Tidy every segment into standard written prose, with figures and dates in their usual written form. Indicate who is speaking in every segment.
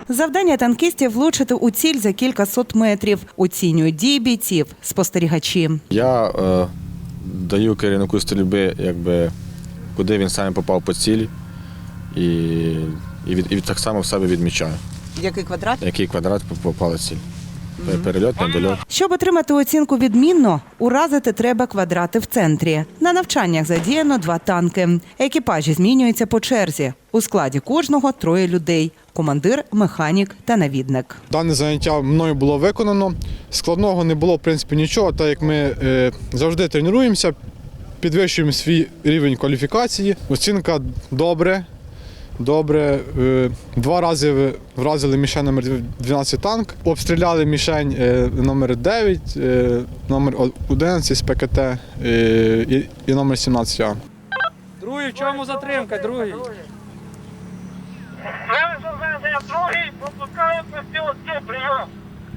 Speaker 1: Завдання танкістів – влучити у ціль за кількасот метрів. Оцінюють дії бійців спостерігачі.
Speaker 2: Я даю керівнику стрільби, куди він саме попав по цілі, і так само в себе відмічаю.
Speaker 1: Який квадрат?
Speaker 2: Який квадрат попала ціль. Перельот, недольот.
Speaker 1: Щоб отримати оцінку відмінно, уразити треба квадрати в центрі. На навчаннях задіяно 2 танки. Екіпажі змінюються по черзі. У складі кожного 3 людей – командир, механік та навідник.
Speaker 3: Дане заняття мною було виконано. Складного не було, в принципі, нічого, так як ми завжди тренуємося, підвищуємо свій рівень кваліфікації. Оцінка добре. 2 рази вразили мішень номер 12 танк, обстріляли мішень номер 9, номер 11 з ПКТ і номер 17А.
Speaker 4: Другий, в чому затримка, другий?
Speaker 5: Другий, пропускаю постійно, прийом.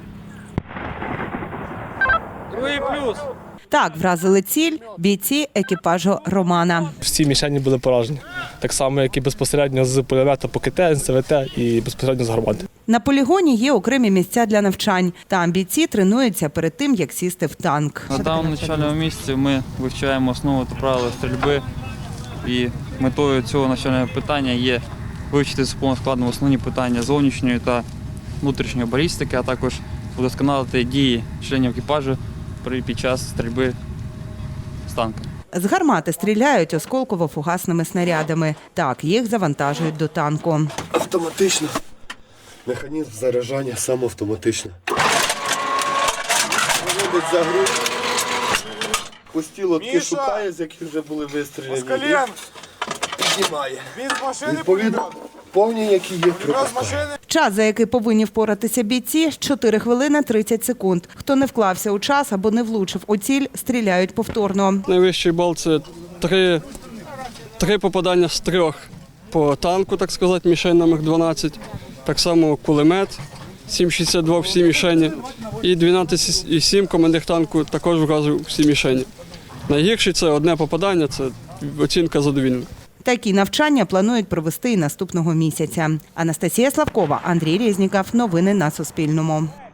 Speaker 4: Другий плюс.
Speaker 1: Так вразили ціль бійці екіпажу Романа.
Speaker 6: Всі мішені були поражені. Так само, як і безпосередньо з пулемета по КТ, НСВТ і безпосередньо з гармати.
Speaker 1: На полігоні є окремі місця для навчань. Там бійці тренуються перед тим, як сісти в танк.
Speaker 4: На даному навчальному місці ми вивчаємо основи та правила стрільби. І метою цього навчального питання є вивчити з повним складом основні питання зовнішньої та внутрішньої балістики, а також удосконалити дії членів екіпажу під час стрільби з танка.
Speaker 1: З гармати стріляють осколково-фугасними снарядами. Так, їх завантажують до танку.
Speaker 7: Автоматично. Механізм заряджання сам автоматично. Виводить за гру. Пусті лотки шукає, з яких вже були вистріляні. І піднімає. Відповідно, повні, які є пропускає.
Speaker 1: Час, за який повинні впоратися бійці – 4 хвилини 30 секунд. Хто не вклався у час або не влучив у ціль, стріляють повторно.
Speaker 8: Найвищий бал – це 3 попадання з 3 по танку, так сказати, мішень номер 12. Так само кулемет 7,62 всі мішені. І 12,7 командир танку також вразив всі мішені. Найгірший – це 1 попадання, це оцінка задовільна.
Speaker 1: Такі навчання планують провести і наступного місяця. Анастасія Славкова, Андрій Резніков. Новини на Суспільному.